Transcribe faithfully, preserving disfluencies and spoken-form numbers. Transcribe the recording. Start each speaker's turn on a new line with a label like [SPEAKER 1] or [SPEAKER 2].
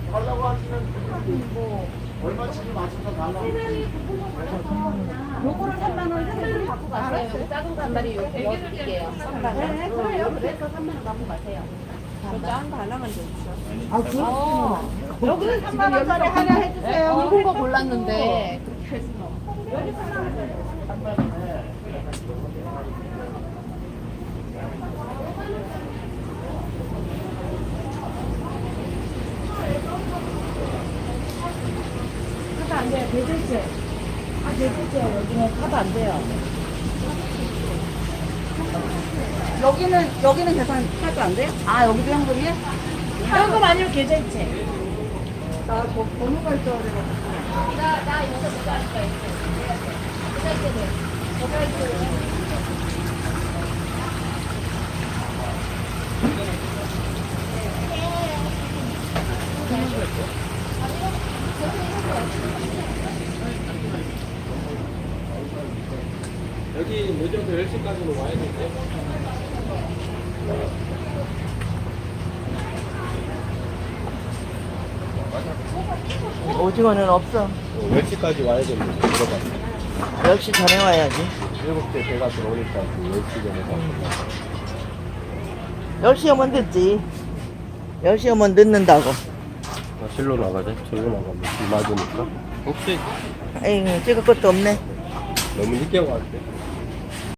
[SPEAKER 1] 달라고 하시면 뭐 얼마치를 맞춰서 달라고.
[SPEAKER 2] 요거를 삼만 원 세대를 갖고 가세요. 여기 작은 간발이 요 넣어드릴게요. 네, 그래요. 그래서 삼만 원 갖고 가세요.
[SPEAKER 3] 작은 거 하나만 더 있어.
[SPEAKER 2] 아, 그렇구나. 여기는 삼만 원짜리 하나 해주세요.
[SPEAKER 3] 굵은 거 골랐는데.
[SPEAKER 2] 여기 삼만 원. 카드 안 돼요. 대절제. 아, 대절제. 여기는 카드 안 돼요. 여기는, 여기는 계산 카드 안 돼요? 아, 여기도 현금이야? 현금 아니면 계좌이체. 나 저 번호가 있어야 돼가지고.
[SPEAKER 3] 나, 나 이거 그거 할까 있어. 계좌이체돼. 계좌이체.
[SPEAKER 4] 여기 늦어도 열 시까지는 와야 되는데.
[SPEAKER 5] 오징어는 없어.
[SPEAKER 4] 열 시까지 와야 되는데 들어가.
[SPEAKER 5] 열 시 전에 와야지.
[SPEAKER 4] 일곱 대 배가 들어오니까 열 시 전에 가.
[SPEAKER 5] 열 시 오면 늦지. 열 시 오면 늦는다고.
[SPEAKER 4] 아, 실로 나가자. 절로 나가면 비 맞으니까. 혹시
[SPEAKER 5] 에이, 찍을 것도 없네.
[SPEAKER 4] 너무 늦게 왔대.